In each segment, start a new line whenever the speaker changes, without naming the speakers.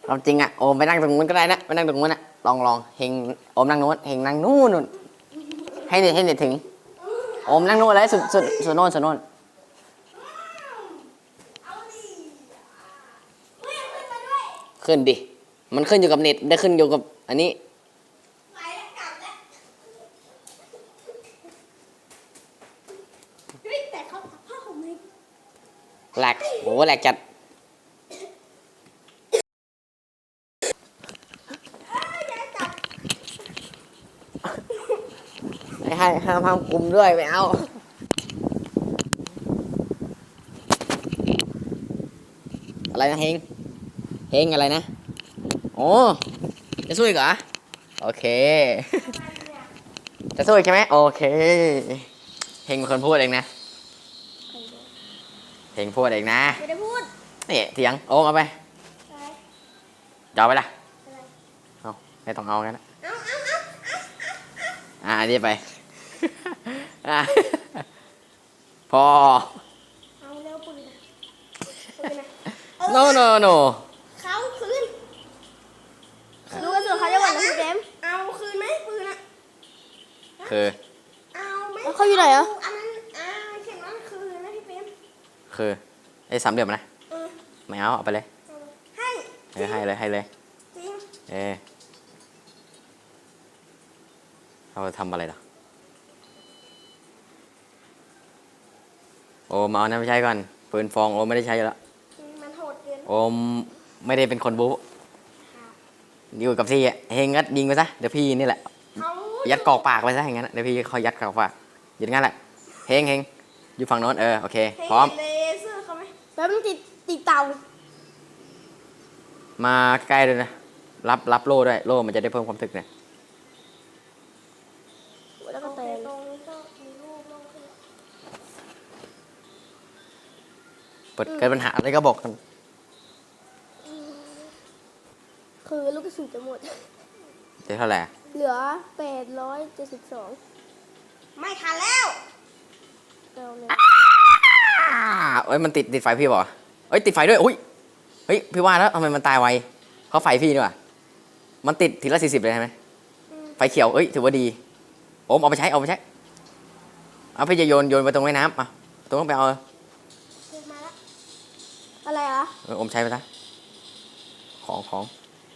ความจริงอะโอมไปนั่งตรงนู้นก็ได้นะไปนั่งตรงนู้นอะลองเฮงโอมนั่งนู้นเฮงนั่งนู้นนู่นให้เน็ตถึงโอมนั่งนู้นเลยสุดโน่นสุดโน่นขึ้นดิมันขึ้นอยู่กับเน็ตได้ขึ้นอยู่กับอันนี้แหลกโหแหลกจัดให้ห้ามคุมด้วยไม่เอาอะไรนะเฮงอะไรนะโอ้จะสู้อีกเหรอโอเคจะสู้อีกใช่ไหมโอเคเฮงเป็นคนพูดเองนะเฮงพูดเองนะ
ไม่ได้พูด
นี่เถียงโอ้เอาไปจะเอาไปละเอาไม่ต้องเอางั้นนะอันนี้ไปพอ
เอาเร็วปืนนะ
no
เขาคืนรู้ว่าส่วนเขาจะหวั่นนะพี่เจมเอาคืนไหมปืนอะ
คือ
เอาไหมเขาอยู่ไหนอ่ะอันนั้นเข็มนั้นคืนนะพี่เจม
คือไอ้สามเหลี่ยมนะไม่เอาไปเลยให้เลย
จริง
เราทำอะไรล่ะโอมเอานะไม่ใช่ก่อนปืนฟองโอมไม่ได้ใช้แล้ว
มันโหดเกิน
โอมไม่ได้เป็นคนบู๊อยู่กับที่เฮงงัดยิงไปซะเดี๋ยวพี่นี่แหละยัดกอกปากไปซะอย่างนั้นเดี๋ยวพี่คอยยัดกอกปากอย่างนั้นแหละเฮงอยู่ฝั่งโน้นโอเคพร้อม
เลเซอร์เขาไหมแล้วมันติดเตา
มาใกล้เลยนะรับโล่ด้วยโล่มันจะได้เพิ่มความถึกเนี่ย
แล้วก็เตะตรงนี้ก็มีลูกลงขึ้น
เกิดปัญหาอะไรก็บอกกัน
คือลูกกระสุนจะหมด
เท่าไหร่
เหลือ872ไม่ทันแล้ว
มันติดไฟพี่บอกติดไฟด้วยอุ้ยเฮ้ยพี่ว่าแล้วทำไมมันตายไวเขาไฟพี่ด้วยมันติดทีละ40เลยใช่ไหมไฟเขียวถือว่าดีโอมเอาไปใช้เอาพี่จะโยนไปตรงแม่น้ำตรงนั้นไปเอา
อะไร
โอมใช้ไปซะของ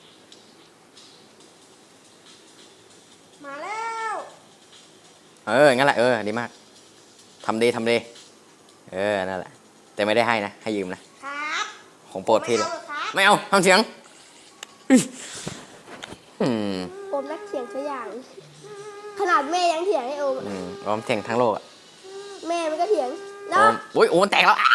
มาแล้ว
งั้นแหละดีมากทำดีนั่นแหละแต่ไม่ได้ให้นะให้ยืมนะครับของโปรดพี่เลยไม่เอาทำเสียง
โอมนักเถียงสักอย่างขนาดแม่ยังเถียงให้โอ
มเถียงทั้งโลก
แม่มันก็เถียง
นะโอมแตกแล้ว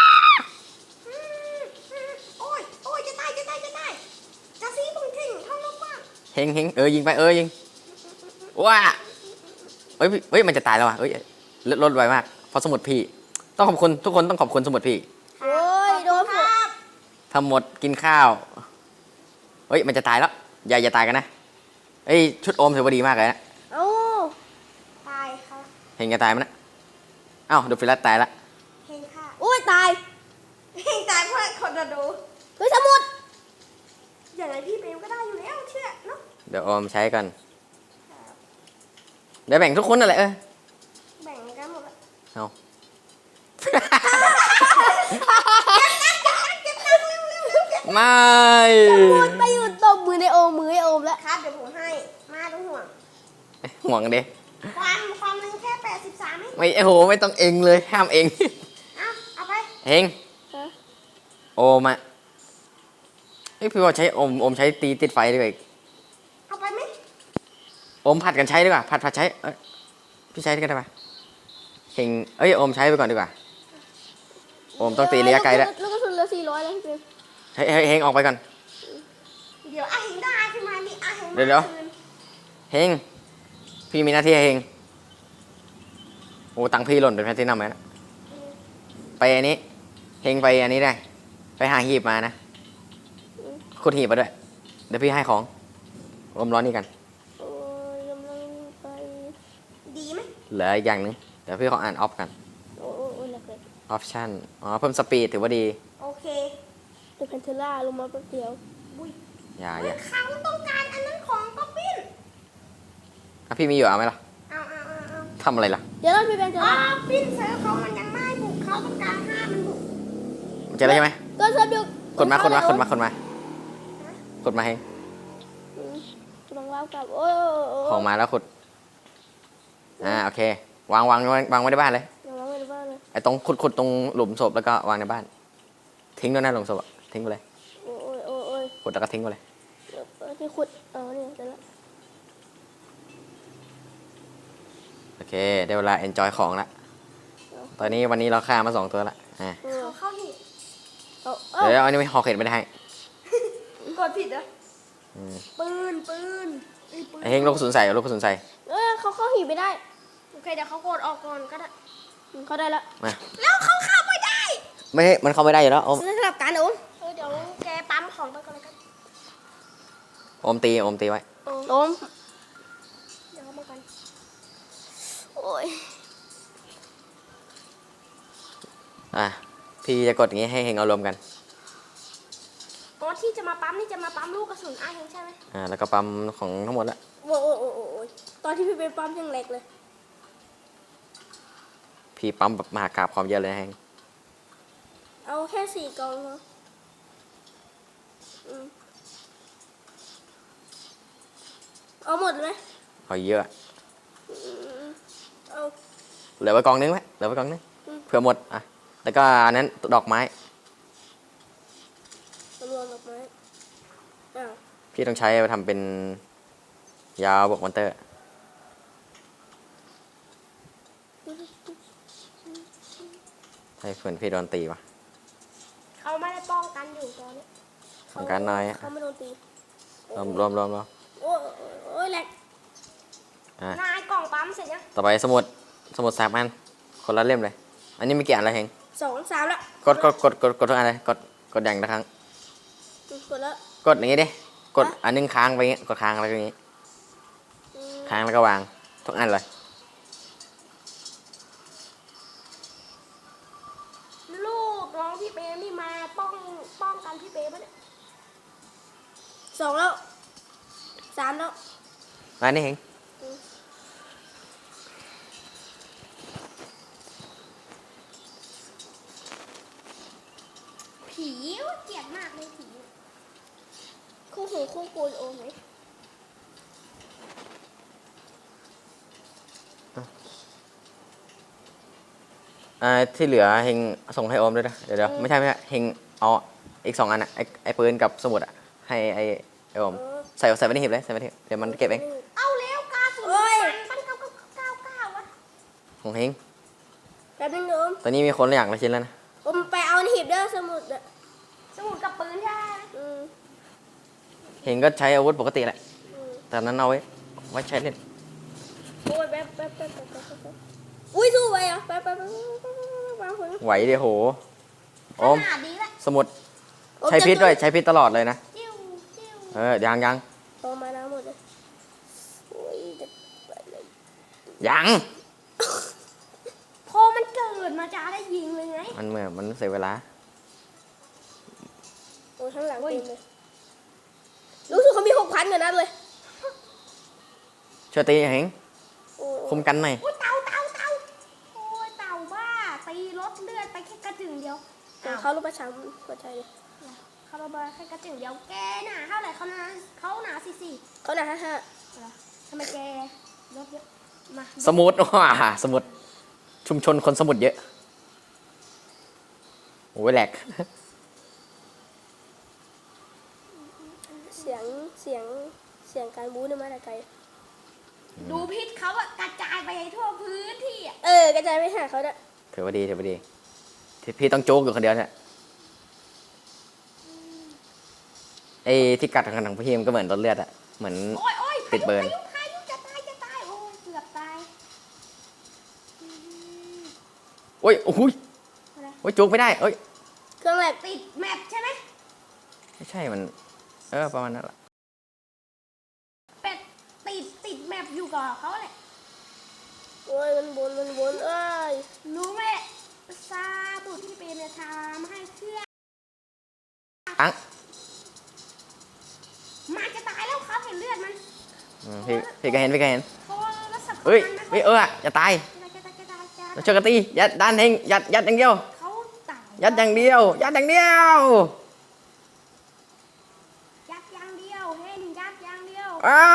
โอ้ยจะตายจะซีปุ่งทิ้งเข้าลงว่า
เฮงยิงไปยิงว้ามันจะตายแล้วลดไวมากเพราะสมุดพี่ต้องขอบคุณทุกคนต้องขอบคุณสมุดพี่
โอ้ยโดนครับ
ทำหมดกินข้าวมันจะตายแล้วอย่าตายกันนะชุดโอมถือว่าดีมากเลยนะ
ตายค่ะ
เฮงจะตายมั้ยนะดูฟิลัสตายละ
เฮงค่ะโอ้ยตายเฮงตายเพราะคนจะดูสมุดอย่างไรพี่เบลก็ได้อยู่แล้วเชื่อเนาะ
เดี๋ยวโอมใช้กันเดี๋ยวแบ่งทุกคนนั่นแหละ
แบ่งกันหมด
เอาไม่
ไปอยู่ตบมือในโอมแล้วครับเดี๋ยวผมให้มาต้อง
ห่วงเด้
ความนึงแค่83
ไม่ไม่ต้องเองเลยห้ามเอง
เอาไป
เฮงโอมพี่ว่าใช้โอมใช้ตีติดไฟดีกว่า
เอาไปไหม
โอมผัดกันใช้ดีกว่าผัดใช้พี่ใช้กันได้ปะเฮงโอมใช้ไปก่อนดีกว่าโอมต้องตีระยะไกลแล้ว
แล้วก็ทุนละ400แล้วพี่
เฮงออกไปก่อน
เดี๋ยวเฮงได้ขึ้นมาดิ
เดี๋ยวเฮงพี่มีหน้าที่เฮงตังพี่หล่นเป็นแพทที่นำไหมนะไปอันนี้เฮงไปอันนี้ได้ไปหาหีบมานะขุดหีบมาด้วยเดี๋ยวพี่ให้ของอมร้อนนี่กัน
ดีไหม
เหลืออีกอย่างนึงเดี๋ยวพี่ขออ่านออฟกันออปชั่นเพิ่มสปีดถือว่าดี
โอเค เป็นแพนเทล่าลงมาแป๊บเดียวอุ้ย
อย่า
เขาต้องการอันนั้นของก๊อปปี้
พี่มีอยู่เอาไหมล่ะ
เอา
ทำอะไรล่ะ
เดี๋ยวพี่เป็นจะปิ้นเซิร์ฟเขามันยังไม่บุกเขาต้องการห้ามันบุก
เจอแล้วใช่ไหม
ก็เซิร์ฟเดียว
กดมาให้
ลองเล่ากับโอ้
ของมาแล้วขุดโอเควางไว้ในบ้านเลย
ยังไม่ได้บ้านเลย
ไอ้ตรงขุดตรงหลุมศพแล้วก็วางในบ้าน ทิ้งด้วยนะหลุมศพทิ้งไปเลย
โอ้ย
ขุดแล้วก็ทิ้งไปเลย
ที่ขุดนี่เสร็จแล้ว
โอเคได้เวลา enjoy ของละตอนนี้วันนี้เราฆ่ามา2 ตัวละ
เขาเข้าหิน
เดี๋ยวอันนี้ไม่หอกเห็ดไม่ได้ให้
กดผิดเหรอปืน
ไอ้เฮงลูกกระสุนใส่
เขาเข้าหินไม่ได้โอเคเดี๋ยวเขากดออกก่อนก็ได้เขาได้แล้ว
มา
แล้วเขาเข้าไม่ได้
ไม่มันเข้าไม่ได้อยู่แล้วโอม
สลับกันเดี๋ยวแกปั๊มของไปก่อนเลยกัน
โอมตีไว้
โอมเดี๋ยวเขามากันโอ้ย
พี่จะกดอย่างงี้ให้เฮงเอารวมกัน
ที่จะมาปั๊มนี่จะมาปั๊มลูกกระสุนไอ้เองใช่ไหม
แล้วก็ปั๊มของทั้งหมดละ
โอ้ยตอนที่พี่ไปปั๊มยังเล็กเลย
พี่ปั๊มแบบมหากาพย์ความเยอะเลยนะเฮง
เอาแค่4 กล่องเนาะเอาหมดไหม
เอาเยอะ
เอา
เหลือไว้กองนึงเผื่อหมดแล้วก็อันนั้นดอกไม้
รวมดอกไม้อ้าว
พี่ต้องใช้ไปทำเป็นยาวบวกมอนเตอร์ให้เพื่อนพี่โดนตีวะ
เขาไม่ได้ป้องกันอยู่ตอนนี้
ป้องกันน้อย
เขาไม่โดนตี
รวม
โอ้ยแหลกนายกล่องปั๊มเสร็จยัง
ต่อไปสมุด3 อันคนละเล่มเลย อันนี้มีกี่อันแล้วเฮง
2 3แล้ว
กดทุกอันเลยกดอย่างละครั้ง
กดแล้ว
กดอย่างงี้ดิกดอันนึงค้างไปอย่างงี้กดค้างแล้วก็อย่างงี้ค้างแล้วก็วางทุกอันเลย
ลูกน้องพี่เปนี่มาป้องกันพี่เปปะเนี่ย2แล้ว3แล้ว
มานี่เฮง
ผีเกลียดมากเลยผีคู่หูคู่ปูนโอ้ไหม
ที่เหลือเฮงส่งให้โอมด้วยนะเดี๋ยวไม่ใช่เฮงเอาอีก2 อันไอ้ปืนกับสมุดให้ไอ้โอมใส่ไว้ในหีบเลยเดี๋ยวมันเก็บเอง
เอาแล้วกาสุนปั้น99วะ
ของเฮง
แป๊บนึงโอม
ตอนนี้มีคนละอย่างละชิ้นแล้วนะ
โอมไปเอาในหีบเด้อสมุดกับปืนใช่ไหม
เฮงก็ใช้อาวุธปกติแหละแต่นั้นเอาไว้ใช้เล่น
โอ้ยแป๊บอุ้ยสู้ไปอ่ะแป๊บ
ไหวเดี๋ยวโหโอม
ขนาดนี้แหละ
สมุดใช้พิษด้วยใช้พิษตลอดเลยนะ
จิ้ว
ยัง
โตมาแล้วหมดเลยโอ้ยไปเลย
ยัง
พอมันเกิดมาจะได้ยิงเลยไง
มันเสียเวลา
โอ้ยข้างหลังเต็มเลยรู้สึกเขามี6,000กว่านัดเลย
ช่วยตีเฮงคุมกันหน่อย
โอ้ยเต่าโอ้ยเต่าบ้าตีลดเลือดไปแค่กระจึงเดียวเขาลงไปช้ำหัวใจเลยเขาลงไปแค่กระจึงเดียวแกหนาเท่าไหร่เขาหนา44เขาหนา55ทำไมแกลดเยอะมา
สมุดสมุดชุมชนคนสมุดเยอะโอ้ยแหลก
เสียงการบู๊เนี่ยมาแต่ไกลดูพิษเขาอะกระจายไปทั่วพื้นที่อะกระจายไปหาเขาด้วย
ถือว่าดีที่พี่ต้องโจ๊กอยู่คนเดียวเนี่ยไอ้ที่กัดของพี่มันก็เหมือนรถเลือดอะเหมือน
โอ้ย
ติดเบิร์น
พายุจะตายโอ้ยเกือบตาย
โอ้ยโจ๊กไม่ได้เอ้ย
เครื่องแบบติดแมปใช่ไหม
ไม่ใช่มันประมาณนั้นแหละ
เป็ดติดแมปอยู่กับเขาแหละโอ้ยมันบนเอ้ยรู้ไหมซาบุตรที่เป็นทำให้เครื่อง
อังพี่ก็เห็นพี่ก็เห็น
โอ้แล้วสับ
เฮ้ย
มัน
เฮ้ยอย่าตาย
จะ
เราช่วยกันตียัดด้านเฮงยัดอย่างเดียว
เขาตาย
ยัดอย่างเดียวยัดอย่างเดียว
ยัดอย่างเดียวเห็นยัดอย่างเดียว
อ้าว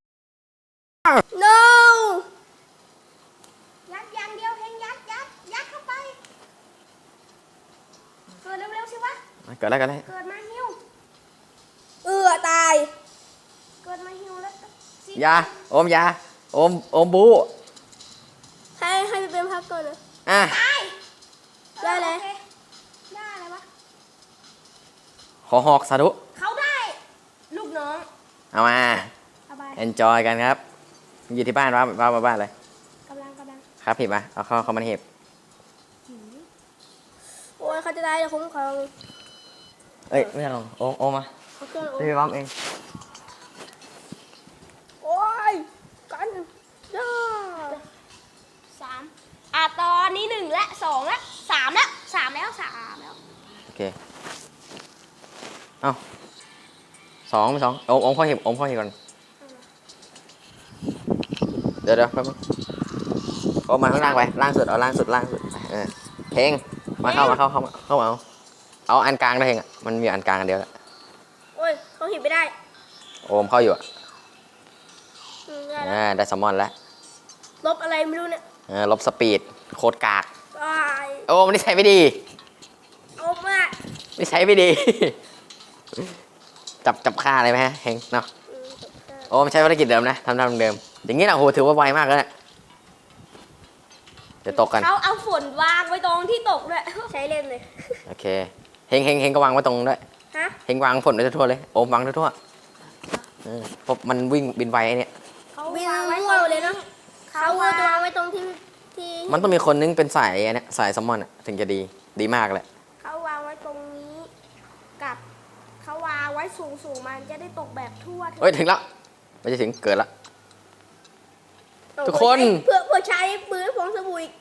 no ยัดอย่างเดียวเฮงยัดเข้าไปเกิดเร็วๆสิวะ
เกิดอะไรกันเลย
เกิดมาหิว
ตาย
เกิดมาหิวแล้วสิ
ยาโอมยาโอมบู
ให้ไปเป็นพักก่อนนะ
อ่ะ
ตาย
ได้เลย
โอคได้เลยวะ
ขอหอกสาธุ
เขาได้ ลูกน้อง
เอามา
เอาไป
enjoy กันครับอยู่ที่บ้านว่ามาบ้านเลย
กำลัง
ครับผิดปะเอาเข้ามาเห็บ
โอ้ยเขาจะได้แล้วคุ้มครอง
เอ้ยไม่ใช่ลองโอมมา
เขาเครื่องโอ้
พี่ปั๊มเอง
โอ้ยกันย่า
สามตอนนี้1และ2และ3แล้ว3แล้ว
โอเคเอาสองโอมเข้าเห็บก่อนเดี๋ยวแป๊บนึงโอมมาข้างล่างไปล่างสุดเอาล่างสุดเพลงมาเข้าเอาอันกลางได้เพลงอ่ะมันมีอันกลางอันเดียวแหละ
โอ้ยเขาหิบไม่ได้
โอมเข้าอยู่อ่ะ
ได้แล้ว
ได้ซัมมอนแล้ว
ลบอะไรไม่รู้เนี่ย
ลบสปีดโคตรกาก
ตาย
โอ้มันนิสัยไม่ดี
โอ้มาก
นิสัยไม่ดี จับฆ่าเลยไหมฮะเฮงเนาะ
จบได้
โอ้มันใช้ภารกิจเดิมนะทำเดิมอย่างนี้นะโหถือว่าไวมากแล้วเนี่ยเดี๋ยวตกกัน
เขาเอาฝนวางไว้ตรงที่ตกด้วย
ใช้เล่นเลย
โอเคเฮงก็วางไว้ตรงด้วย
ฮะ
เฮงวางฝนไว้ทั่วๆเลยโอมวางทั่วๆเพราะมันวิ่งบินไวไอ้เนี่ย
เขา
วิ่ง
วางไว้
มั่วเลยเนาะ
เขา
เขา
วาง
จะวางไว้ตรงที่
มันต้องมีคนนึงเป็นสายอันเนี้ยสายซัมมอนอะถึงจะดีมากเลย
เขาวางไว้ตรงนี้กับเขาวางไว้สูงมันจะได้ตกแบบทั่วถึง
เฮ้ยถึงแล้วไม่จะถึงเกิดละ ทุกคน
เพื่อใช้ปืนฟองสบู่อีก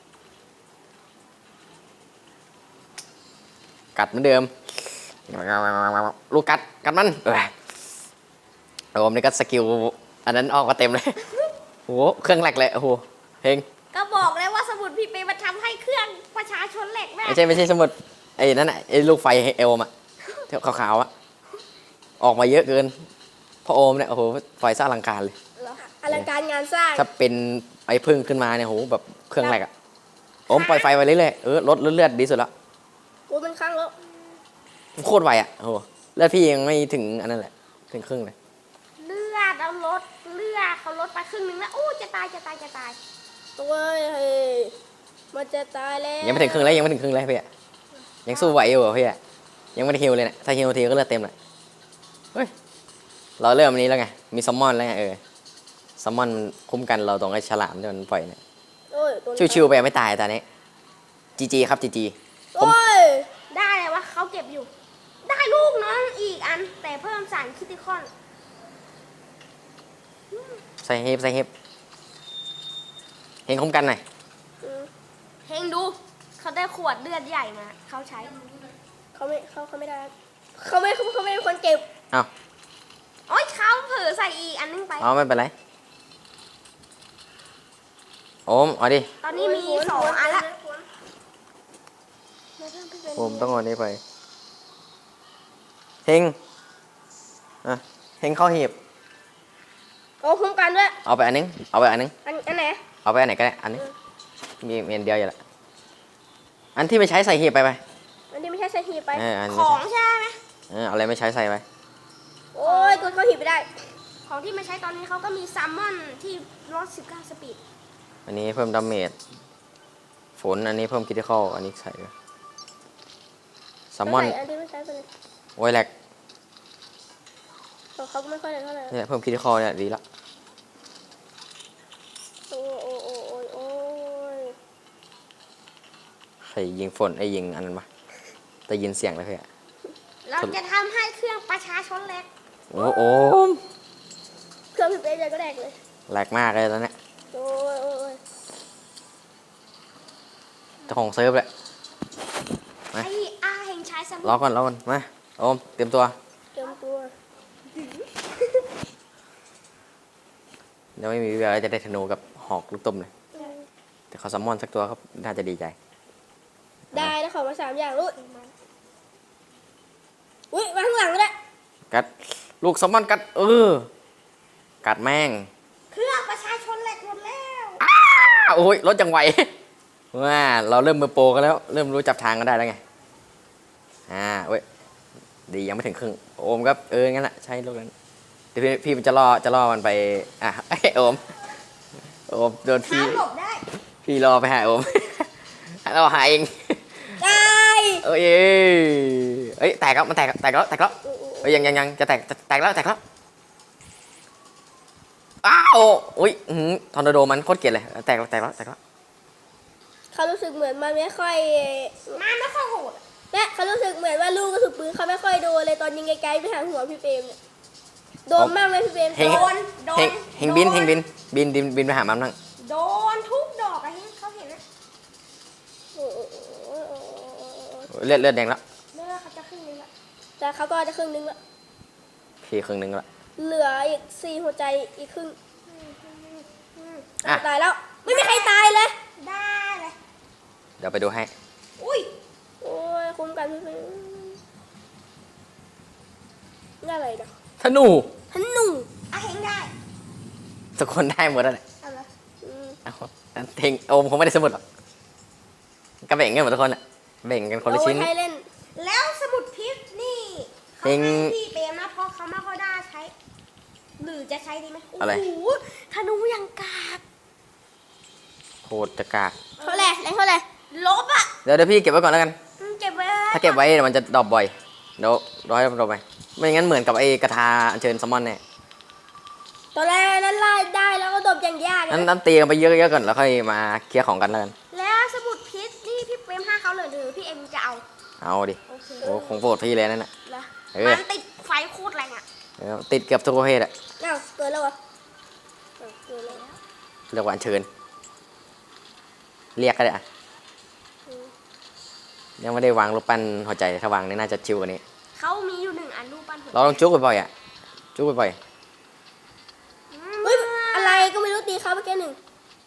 กัดเหมือนเดิมลูกกัดมันโอมนี่ก็สกิลอันนั้นออกมาเต็มเลยโอ้โหเครื่องแหลกเลยโอ้โหเฮง
ก็บอกแล้วว่าสมุดพี่เปมันทำให้เครื่องประชาชนแหลกแม่
ไม่ใช่สมุดไอ้นั่นน่ะไอ้ลูกไฟเอลมอะที่ขาวๆอะออกมาเยอะเกินพอโอมเนี่ยโอ้โหไฟสร้างอลังการเลย
อลังการงานสร้าง
ถ้าเป็นไอ้พึ่งขึ้นมาเนี่ยโหแบบเครื่องแรกอะโอมปล่อยไฟไว้เรื่อยๆลดเลือดดีสุดแล้ว
โอ้เป็นครั้งแล้ว
โคตรไวอะโอ้โหเลือดพี่ยังไม่ถึงอันนั้นแหละถึงครึ่งเลย
เลือดเอาลดเลือดเขาลดไปครึ่งนึงแล้วอู้จะตาย
ตัวเฮ้ยมันจะตายแล้ว
ยังไม่ถึงครึ่งเลยพี่อะยังสู้ไหวอยู่อะพี่อะยังไม่ได้ฮิวเลยนะถ้าฮิวทีก็เลือดเต็มเลยเฮ้ยเราเริ่มอันนี้แล้วไงมีซัมมอนแล้วไงซัมมอนมันคุ้มกันเราตรงไอ้ฉลามที่มันปล่อยเนี่ย
โอ้ยตัวนี้
ชิวๆไปไม่ตายตอนนี้จีครับจี
โอ้ย
ได้เลยวะเขาเก็บอยู่ ได้ลูกน้องอีกอัน แต่เพิ่มสารคิติคอน
ใส่เฮฟเฮงคุ้มกันหน่อย
เฮงดูเขาได้ขวดเลือดใหญ่มาเขาใช้
เขาไม่ได้เขาไม่เป็นคนเก็บ
เอา
โอ๊ยเขาเผลอใส่อีกอันนึงไป
เอาไม่เป็นไรโอมเอาดิ
ตอนนี้มี2 อันละ
โอมต้องเอาอันนี้ไปเฮงอ่ะเฮงเข้าหีบ
โอ้คุ้มกันด้วย
เอาไปอันนึง
อันไหน
เอาไปอันไหนก็ได้อันนี้มีอันเดียวอยู่ละอันที่ไม่ใช้ใส่หีบไป
อันนี้ไม่ใช่ใส่หีบไป
อัน
ข
ไม่
อง
ใช่
ใช่ไหม
เอาอะไรไม่ใช้ใส่ไป
โอ้ยตัวเขาหีบไม่ได้
ของที่ไม่ใช้ตอนนี้เขาก็มีซัมมอนที่ลด19 สปีด
อันนี้เพิ่มดาเมจฝนอันนี้เพิ่มคิติคอลอันนี้ใส่ซัมมอน
อันที่ไม่ใช้ไปเลย
โอ้ยแหลก
เขาก็ไม่ค่อยได้เท่าไหร่
เนี่ยเพิ่มคิติคอลเนี่ยดีละ
โอ้โอ้โอ้โอ้โอ้ย
ใครยิงฝนไอ้ยิงอันนั้นมาแต่ยินเสียงเลยเพื่อน
เราจะทำให้เครื่องประชาชนแหลก
โอ้โห
เครื่องพิเศษใจก็แดกเลย
แหลกมากเลยตอนเนี้ย
โอ้ยโอ้ย
เจ้าของเซิร์ฟเลย
ไอ้เฮงใช้สมุด
รอก่อนมาโอมเตรียมตัว
เตรียมตัว
ยังไม่มีวิแววว่าจะได้ธนูกับหอกลูกตุ้มเลยแต่เขาซัมมอนสักตัวเขาน่าจะดีใจ
ได้แล้วขอมา3อย่างลูกอุ้ยมาข้างหลังก็ได้
กัดลูกซัมมอนกัดกัดแม่ง
เครื่องประชาชนแหลกหมดแล้ว
โอ้ยรถจังไหว ว่าเราเริ่มมือโปรกันแล้ว เริ่มรู้จับทางกันได้แล้วไงเว้ยดียังไม่ถึงครึ่งโอมก็งั้นแหละใช่ลูกนั้นเดี๋ยวพี่มันจะล่อมันไปโอมโดนพี่
หาหลบได้
พี่รอไปหาโอม เราหาเอง
ได้
เอ้ยแตกแล้วมันแตกแล้วเอ้ยยังจะแตกแล้วอ้าวอุ้ยทอร์นาโดมันโคตรเกลียดเลยแตกแล้ว
เขารู้สึกเหมือนมันไม่ค่อย
มันไม่ค่อยโหด
เนี่ยเขารู้สึกเหมือนว่าลูกกระสุนปืนเขาไม่ค่อยโดนเลยตอนยิงไกลๆไปทางหัวพี่เปรมเนี่ยโดนมากไหมพี่เปรม
เฮง
โดน
เฮงบินไปหามันบ้าง
โดนทุกดอกอะเฮงเขาเห็นไหม
โอ้โห
เลือดแดงแล้ว
เมื่อเขาจะขึ้นเลยละ
แต่เขาก็จะครึ่งนึงละ
พี่ครึ่งนึงแล้ว
เหลืออีก4หัวใจอีกครึ่ง
อืม
อ่ะ
ตายแล้ว ไม่มีใครตายเลย
ได้เลย
เดี๋ยวไปดูให้
อุ้ย
โอ้ยคุ้มกันพี่เปรมนี่อะไรนะ
ธนู
ฮันนู
อะเฮงได้
ทุกคนได้หมดแล้วแหละ
เอาละ
อืม
เอาเฮงโอมคงไม่ได้สมุดหรอกก็แบ่งกันหมดทุกคนอ่ะแบ่งกันคนละ
เอา
ชิ้น
ไว้ให้เล่น
แล้วสมุดพิษนี่เขา
เฮง
ให้พี่เปรมนะเพราะเขาไม่ค่อยได้ใช้ หรือจะใช้ดีไหม
อะไร
โอ้โหธนูยังกาก
โคตรจะกาก
เท่าไหร่แรงเท่าไหร่
ลบอ่ะ
เดี๋ยวพี่เก็บไว้ก่อนแล้วกัน
เก็บไว้
ถ้าเก็บไว้เดี๋ยวมันจะดรอปบ่อยเดี๋ยวร้อยดรอปไปไม่งั้นเหมือนกับไอ้กระทาอัญเชิญซัมมอนเนี่ย
ตอนแรกนั้นไล่ได้แล้วก็ตบอย่างยากเลย
นั้นตีกันไปเยอะๆก่อนแล้วค่อยมาเคลียร์ของกันแล้วกัน
แล้วสมุดพิษนี่พี่เปรมให้เขาเลยหรือพี่เอ็มจะเอา
เอาดิ
โอเค
โอ้คงโปรดพี่เลยนั่นน่ะ
แล้ว
เออ
มันติดไฟโคตรแรงอ่ะ
ติดเกือบทุกประเภทอะ
เอ้าเกิดแล้วเหรอเอ้าเกิดแล้ว
เรียกว่าอัญเชิญเรียกก็ได้อะ
อืม
ยังไม่ได้วางรูปปั้นหัวใจถ้าวางนี่น่าจะชิวกว่านี้
เขามีอยู่1 อันรูปปั้นหัว
เราต้องจุกบ่อยๆอ่ะจุกบ่อย
เฮ้ยอะไรก็ไม่รู้ตีเขาเมื่อกี้หนึ่ง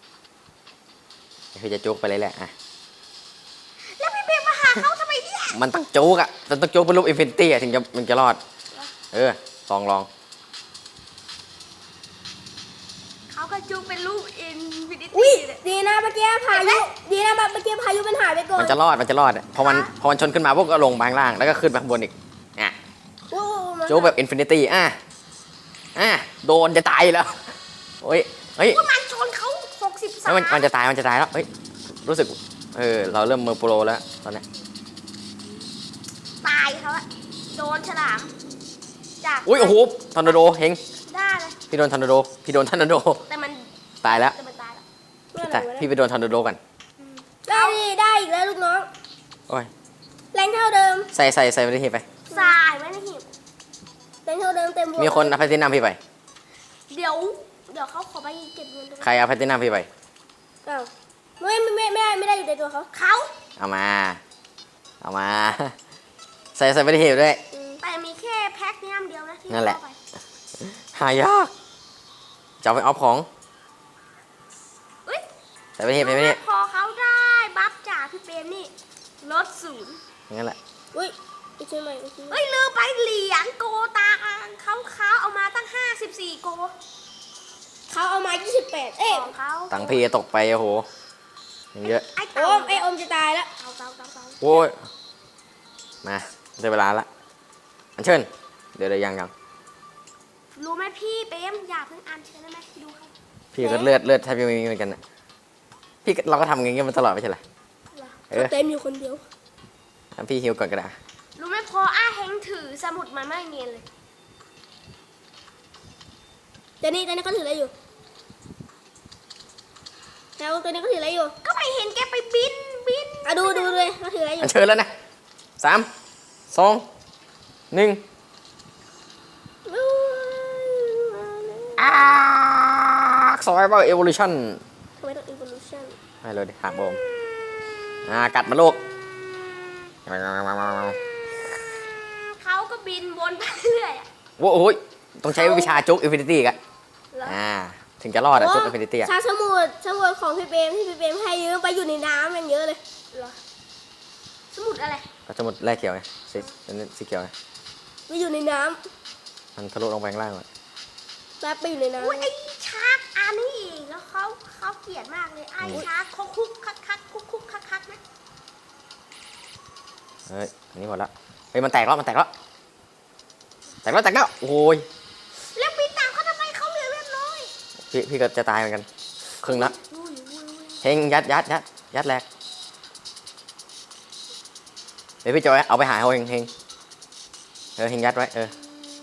ๆคือจะจุกไปเลยแหละอ่ะ
แล้วพี่เปรมมาหาเขาทำไมเนี่ย
มันต้องจุกอ่ะมันต้องจุกเป็นรูปอินฟินิตี้อ่ะถึงจะมันจะรอดลอง
เขาก็จุกเป็นรูปอินฟินิ
อุ้ย
ตี้เลย
ดีนะเมื่อกี้พายุดีนะเมื่อกี้พายุมันหายไปก่อน
มันจะรอดอ่ะพอมันชนขึ้นมาพวกก็ลงไปข้างล่างแล้วก็ขึ้นไปข้างบนอีกอ่ะ
โอ้โหมัน
จุกแบบอินฟินิตี้โดนจะตายอยู่แล้วเฮ้ย
ว่ามันชนเขา63
แล้วมันจะตายแล้วเฮ้ยรู้สึกเราเริ่มมือโปรแล้วตอนเนี้ย
ตายเขาอะโดนฉลามจาก
อุ้ยโอ้โหทอร์นาโดเฮง
ได้เลย
พี่โดนทอร์นาโด
แต่มัน
ตายแล้ว
แต่มันตายแล้ว
เมื่อไห
แต่
ร่วะ
พี่
เนี่ย
ไปโดนทอร์นาโดกัน
ได้อีกแล้วลูกน้อง
โอ้ย
แรงเท่าเดิม
ใส่ไปที่ไป
ทรายไว้ในหีบ
แรงเท่าเดิมเต็มบวก
มีคนเอาแพลตินัมพี่ไป
เดี๋ยวเขาขอไปเก็บเงินตรง
ใครเอาแพลตินัมพี่ไป
อ้าวไม่ได้อยู่ในตัวเขา
เขา
เอามา ใส่ไปที่หีบด้วย
อืม
แต่มีแค่แพ็คนี้อันเดียวนะที่
นั่นแหละ
เข้าไป
หายากจะเอาไปเอาของ
เอ้ย
ใส่ไปที่หีบ
พอเขาได้บัฟจากพี่เปรมนี่ลด0
อย่างนั้นแหละ
อุ้ยอีกชิ้นใหม่อีกชิ้นใหม่
เอ้ยลืมไปเหรียญโกตาเขาเอามาตั้ง54 โก
เขาเอามา28เอ๊ะ
ของเขา
ตังค์พี่ตกไปโอ้โหอย่างเยอะ
ไอ้
โอ
เต่าม
ไอโอมจะตายแล้ว
เต่า
โอ้ยมาได้เวลาละอันเชิญเดี๋ยวยัง
รู้ไหมพี่เปรมอย่าเพิ่งอ่านเชิญได้ไหมดูเขา
พี่ก็เลือดแทบจะไม่มีเหมือนกันนะพี่ก็เราก็ทำอย่างเงี้ยมันตลอดไม่ใช่เหรอ
เขาเต็มอยู่คนเดียว
งั้นพี่ฮิวก่อนก็ได้
รู้ไหมพออาเฮงถือสมุดมันไม่เนียนเลย
แต่นี่เขาถืออะไรอยู่แล้วตัวนี้เขาถืออะไรอยู่
ก็ไม่เห็นแกไปบิน
อ่ะดูเลยเขาถืออะไรอยู่
อันเชิญแล้วนะ3 2 1ซอยเบอร์เอวอลูชั่น
ทำไมต้อง evolution
ให้เลยดิหักโบมกัดมาลูก
เขาก็บินวนไปเรื่อยอะ
โอ้โหต้องใช้วิชาจุกอินฟินิตี้กัน
เหรอ
พถึงจะรอดอะจุดอินฟินิตี้อะ
ชาสมุดของพี่เปรมที่พี่เปรมให้ยืมไปอยู่ในน้ำอย่างเยอะเลย
เหรอสมุดอะไร
ก็จะหมดแรกเขียวไงสีเขียวไง
ไปอยู่ในน้
มันทะลุลงไปข้างล่างก่อน
ำแป๊บไปอยู่ในน้
อุ้ยไอ้ชาร์กอันนี้อีกแล้วเขาเกลียดมากเลยไอ้ชาร์กเขาคุกคักนะ
เฮ้ยอันนี้หมดละเฮ้ยมันแตกแล้วโอ้ย
แล้วปีตามเขาทำไมเขาเหลือเลือดน้อย
พี่ก็จะตายเหมือนกันครึ่งละ
อุ้ย
เฮงยัดแรกเดี๋ยวพี่จอยเอาไปหาเฮงเฮงยัดไว้
ำ
อืม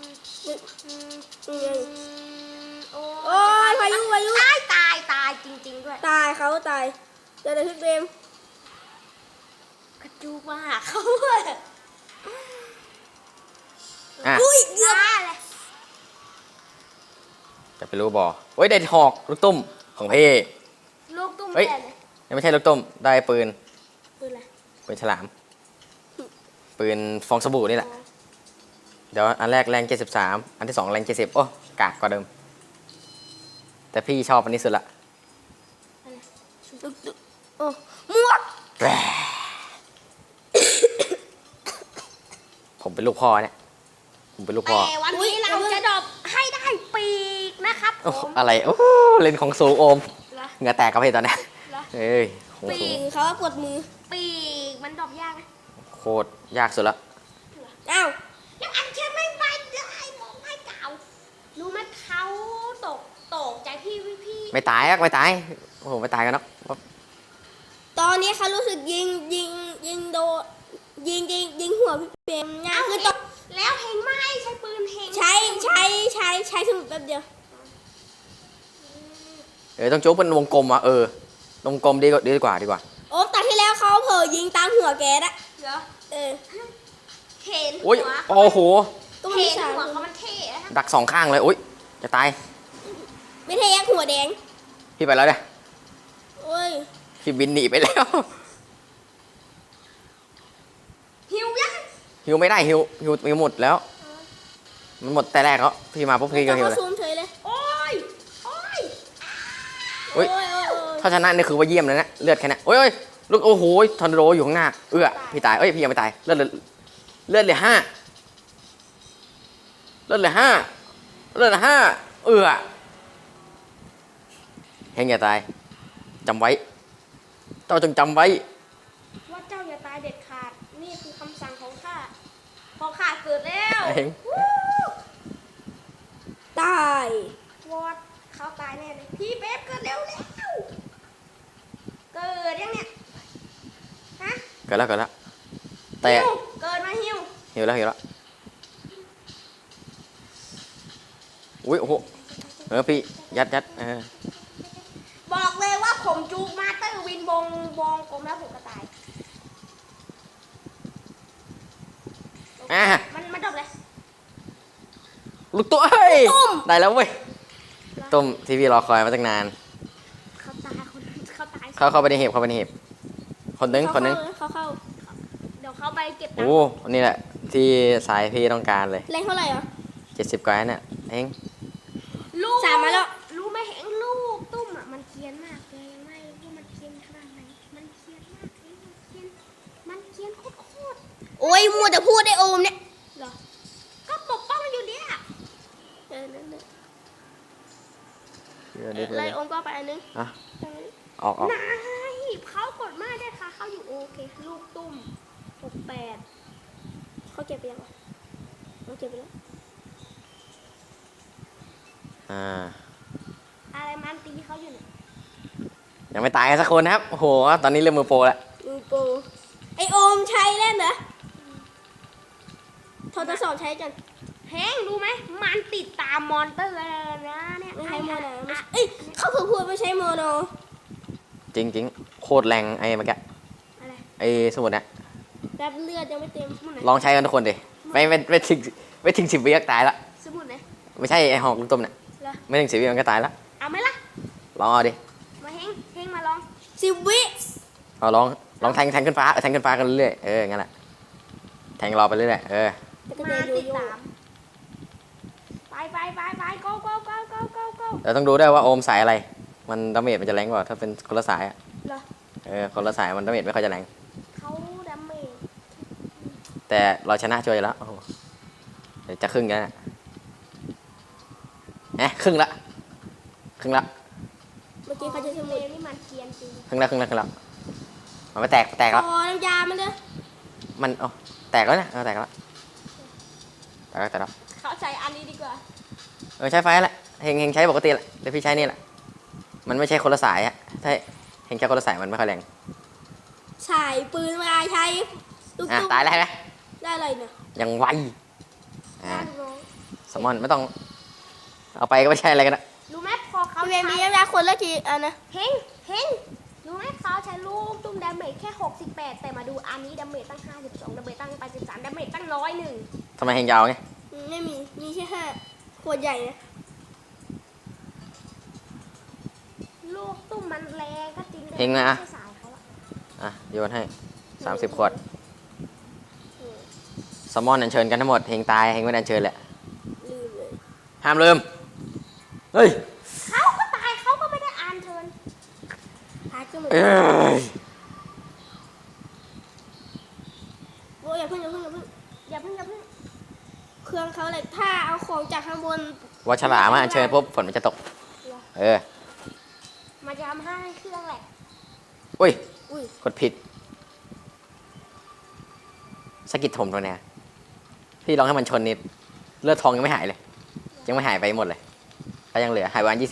โอ้ยพายุ
ตายจริงๆด้วย
ตายเขาตายเดี๋ยวพี่เปรม
กระจูกมาหาเขาเลย
อ่ะ
อุ้ยเกือบ
เลย
จะไปรู้บ่เฮ้ยได้หอกลูกตุ้มของพี่
ลูกตุ้ม
เฮ้ย
แม่เลย
ยังไม่ใช่ลูกตุ้มได้ปืน
ปืนอะไร
ฉลามปืนฟองสบู่นี่แหละเดี๋ยวอันแรกแรง73อันที่2แรง70โอ้กากกว่าเดิมแต่พี่ชอบอันนี้สุดละ
โอ้หมวก
แหว่ผมเป็นลูกพ่อเนี่ยผมเป็นลูกพ่อ
แต่วันนี้เราจะดรอปให้ได้ปีกนะครับผ
โอ้
ม
อะไรโอ้เล่นของสูงโอม
เหรอ
เหงื่อแตกกับพี่ตอนเนี้ย
เหรอ
เอ้ยของ
ปี
สูง
กเขาว่าปวดมือ
ปีกมันดรอปยากนะ
โคตรยากสุดละ
อ้าว
แล้วอันเชื่อไม่ไปได้มองให้เก่ารู้ไหมเขาตกใจพี่
ไม่ตายโอ้โหไม่ตายกันเนาะ
ตอนนี้เขารู้สึกยิงโดนยิงหัวพี่เปรมง่ายคือตก
แล้วเฮงไม่ใช้ปืนเฮง
ใช้สมุดแป๊บเดียว
ต้องจุ๊บเป็นวงกลมอ่ะวงกลมดีกว่า
โอ้ตอนที่แล้วเขาเผลอยิงตามหัวแกนะ
เหรอ
เออ
เห็น
โอ้ย
หัว
โอ้โห
ก็มัน
เห็
มี
น
สาม
หัว
คน
เขามันเท่นะ
ดักสองข้างเลยโอ้ยจะตาย
ไม่ใช่ยักษ์หัวแดง
พี่ไปแล้วเนี่ย
โอ้ย
พี่บินหนีไปแล้ว
หิวยัง
ฮิวไม่ได้ฮิวหมดแล้ว มันหมดแต่แรกแล้วพี่มาปุ๊บพี่ก็ฮิว
เขา
เลย
ซูมเฉยเลย
โอ้ย
อุ๊ย
โอ้ย
ถ้าชนะนี่คือว่าเยี่ยมเลยนะเลือดแค่นั้นโอ้ยลูกโอ้โหทอร์นาโดอยู่ข้างหน้าพี่ตายพี่ยังไม่ตายเลือดเหลือ5เฮงอย่าตายจำไว้เจ้าจงจำไว้
ว่าเจ้าอย่าตายเด็ดขาด นี่คือคำสั่งของข้าพอข้าเกิดแล้ว
เฮง
วู้
ตาย
วอดเขาตายแน่เลย พี่เบ๊บเกิดเร็วเกิดยังเนี่ย ฮะ
เกิดแล้วแต่
หิวเกิดมาหิว
หิวแล้วอุ้ยโอ้โหพี่ยัด
บอกเลยว่าผมจูกมาเตอร์วินวงกลมแล้วผมก็ตาย มันจบเลย
ลูกตัวเฮ้ยได้แล้วเว้ยต้มที่พี่รอคอยมาตั้งนาน
เขาตายเขาตาย
เข้าไปในเห็บคนนึง
เขาเข้า
เดี๋ยวเขาไปเก็บตัง
โอ้
ค์
นี่แหละที่สายพี่ต้องการเลย
แรงเท่าไหร่อ่ะ
70กว่าเนี่ยเอง
ลูก
สามมาแล้ว
รู้ไหมเห็นลูกตุ้มอ่ะมันเกรียนมากเลยยังไม่รู้ว่ามันเกรียนขนาดไหนมันเกรียนมากเลยมันเกรียนโคตร
โอ้ยมัวแต่พูดได้โอมเนี่ย
เหรอก็ปกป้องอยู่เนี่ย
เลยโอมก็ไปอันนึง
อ่ะออก
นายเขากดมาได้ค่ะเขาอยู่โอเคลูกตุ้ม68
เขาเก็บไปยังวะเขาเก็บไปแล้ว
อะไรมันตีเขาอยู่เนี่ย
ยังไม่ตายกันสักคนนะครับโอ้โหตอนนี้เริ่มมือโปรแล้ว
มือโปรไอโอมใช้เล่นเหรอทดสอบใช้กัน
เฮงรู้ไหมมันติดตามมอนเตอร์นะเนี่ย
ไม่ใช้โมโนเอ้ยเขาเพิ่งพูดไม่ใช้โมโน
จริงโคตรแรงไอ้เมื่อกี้
อะไร
ไอ้สมุดเนี่ย
แบบเลือดยังไม่เต็ม
สมุดไหน
ลองใช้กันทุกคนดิไม่ถึง10 วิก็ตายละ
สมุดไหน
ไม่ใช่ไอ้หอกลูกต้มเนี่ย
เหรอ
ไม่ถึง10 วิมันก็ตายละ
เอาไหมล่ะ
ลองเอาดิ
มาเฮงมาลอง
10 วิ
เอาลองแทงขึ้นฟ้ากันเรื่อยๆงั้นแหละแทงรอไปเรื่อยๆ
แล้วก็
มา
เดินโย
ติด
โย่
ตามไป go go go go go go
เราต้องดูด้วยว่าโอมสายอะไร มันดาเมจมันจะแรงกว่าถ้าเป็นคนละสายอะ
เหรอ
คนละสายมันดาเมจไม่ค่อยจะแรง
เขาดาเมจ
แต่เราชนะช่วยอยู่แล้วโอ้โหเดี๋ยวจะครึ่งแล้วนะครึ่งละ
เมื่อกี้เขาจะส
เล
มุด
วนี่มันเกรียนจริง
ครึ่งละมันไม่แตกแล้ว
อ๋อน้ำยามันเด้อ
มันแตกแล้วเนี่ยแตกแล้ว
เขาใช้อันนี้ดีกว่า
ใช้ไฟแหละเฮงใช้ปกติแหละเดี๋ยวพี่ใช้นี่แหละมันไม่ใช่คนละสายอะถ้าเฮงใช้คนละสายมันไม่ค่อยแรง
ฉายปืนมาใช้ลูกตุ้ม
ตายแล้วเห็นไหม
ได้อะไรเนี่ย
ยังไว
น่าดูน้อง
สมอนไม่ต้องเอาไปก็ไม่ใช่อะไรกันนะ
รู้ไหมพอเขา
พี่เบ
ใช้
มมีน้ำยาคนละกี่อันนะ
เฮงรู้ไหมเขาใช้ลูกตุ้มดาเมจแค่ 68 แต่มาดูอันนี้ดาเมจตั้ง 52ดาเมจตั้ง83ดาเมจตั้ง101
ทำไมเฮงยาวไง
ไม่มีแค่5ขวดใหญ่นะ
ลูกตุ้มมันแรงก็จริงแต่
เฮงนะ
ไม่ใช่สายเขาอะ
โยนให้30 ขวดสมอนอัญเชิญกันทั้งหมดเฮงตายเฮงไม่ได้อัญเชิญแหละ
ลืมเลย
ห้ามลืมเฮ้ย
เขาก็ตายเขาก็ไม่ได้อ่านเชิญ
พาร์ทก็เหมือน
เอ้
กัน
ย
โอ้ยอย่าเพิ่ง
อย่าเพิ่ง
เครื่องเขาเลยถ้าเอาของจากข้างบน
ว่าฉลามมาอัญเชิญปุ๊บฝนมันจะตกเออ
มันจะทำให้เครื่องแหลก
อุ้ย
อุ้ย
กดผิดสะกิดถมตรงเนี้ยพี่ลองให้มันชนนิดเลือดทองยังไม่หายเลย ยังไม่หายไปหมดเลยก็ยังเหลือหายวัน20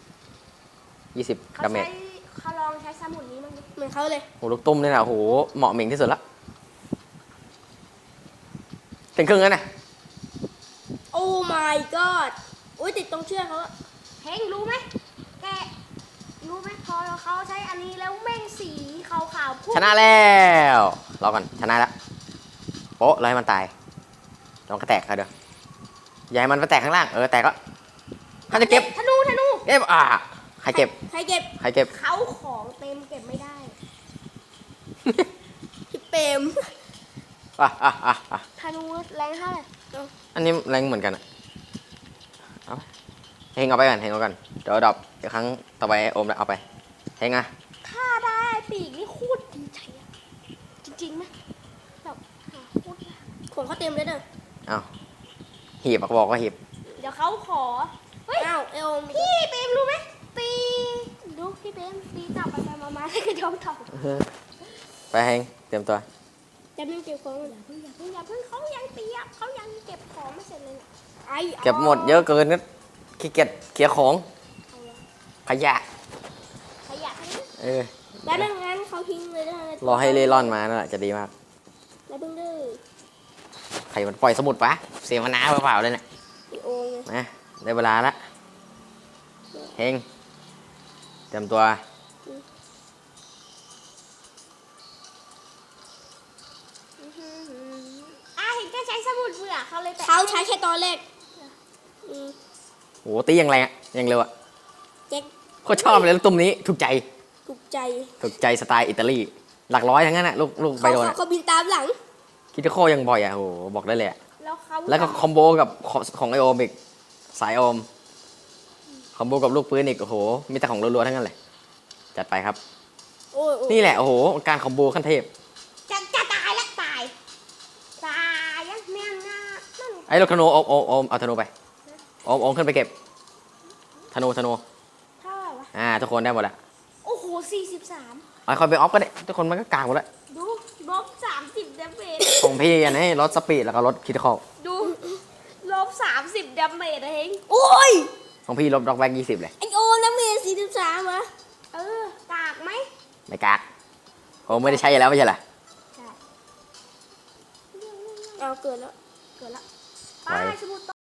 เขา
ดาเมจ
ใช้เขาลองใช้สมุนนี้มั้งดิ
เหมือนเขาเลย
โหลูกตุ้มนี่นะโหเหมาะเหม่งที่สุดละถึงครึ่งแล้วนะ
โอ้ my god อุ้ยติดตรงเชือกเขาอะ
เฮงรู้ไหมแกรู้ไหมพอเขาใช้อันนี้แล้วแม่งสีขาวๆพุ่ง
ชนะแล้วรอก่อนชนะแล้วโป๊ะแล้วให้มันตายลองกระแตกเขาเดี๋ยวอย่าให้มันไปแตกข้างล่างแตกแล้วเขาจะเก็บ
ธนู
เก็บใครเก็บ
ใครเก็บ
ใครเก็บ
เขาของเต็มเก็บไม่ได้
พี่เปรม
ธนูแรงเท่าไหร่
อันนี้แรงเหมือนกันอะเอาเฮงเอาไปก่อนเฮงเอาก่อนเดี๋ยวดรอปเดี๋ยวครั้งต่อไปโอมเอาไปเฮงอะ
ถ้าได้ปีกนี่โคตรดีใจอะจริงๆไหมแบบหาโคตรยาก
ของเขาเต็มเลยเด้อ
เอาหีบบอกว่าหีบ
เดี๋ยวเขาขอเฮ้ย
อ้าวเอลมี
พี่เปรมรู้ไหมตีดูพี่เปรมตีจับไปมาแล้วก็ยอมตอบ
ไปเฮงเตรียมตัว
จะไม่เก็บของเลย
อย่าเพิ่งเขายังเตรียมเขายังเก็บของไม่เสร็จเลยเนี่ย
ไอ้
เก็บหมดเยอะเกินก็ขี้เกียจเคลียร์ของ
เอาละ
ขยะ
ขยะทั้งนี้
แล้วดังนั้นเขาทิ้งเลยนะ
รอให้เล่ร่อนมานั่นแหละจะดีมาก
แล้วเพิ่งเด้อ
ใครมันปล่อยสมุดปะเสียมานาเปล่าๆเลยเนี่ย
พี่โอไง
นะได้เวลาละเฮงเตรียมตัว
เห็นแกใช้สมุดเบื่อเขาเลยแต่
เขาใช้แค่ตอนแรกอืม
โหตีอย่างแรงอะอย่างเร็วอะ
แจ็ค
โคตรชอบเลยลูกตุ้มนี้ถูกใจ
ถูกใจ
สไตล์อิตาลีหลักร้อยทั้งนั้นอะลูกใบโดนอะ
เขาบินตามหลัง
คิดโคยังบ่อยอะโหบอกได้เลยอะ
แล้วเขา
แล้วก็คอมโบกับของไอโอมอีกสายโอมคอมโบกับลูกปืนอีกโอ้โหมีแต่ของรัวๆทั้งนั้นเลยจัดไปครับ
โอ้ยโอ้ย
นี่แหละโอ้โหการคอมโบขั้นเทพ
จะตายแล้วตายยังแม่งน่านั่น
ไอ้ลูกธนูโอมเอาธนูไปโอมขึ้นไปเก็บธนู
เท่าไหร่วะ
ทุกคนได้หมดละ
โอ้โห43
เอาคอยไปออฟก็ได้ทุกคนมันก็กลางหมดแล้ว
ดูลบ30ดาเมจ
ของพี่อันนี้ลดสปีดแล้วก็ลดคิดคอล
ดูลบ30ดาเมจนะเฮง
โอ้ย
ของพี่ลบด็อกแบ็ก20เลย
ไอโอน้ำเมย์43วะ
กากไหม
ไม่กากโอมไม่ได้ใช้แล้วไม่ใช่เหรอ
ใช่
เอาเกิดแล้ว
เกิดละ
ไป
ไปสมุด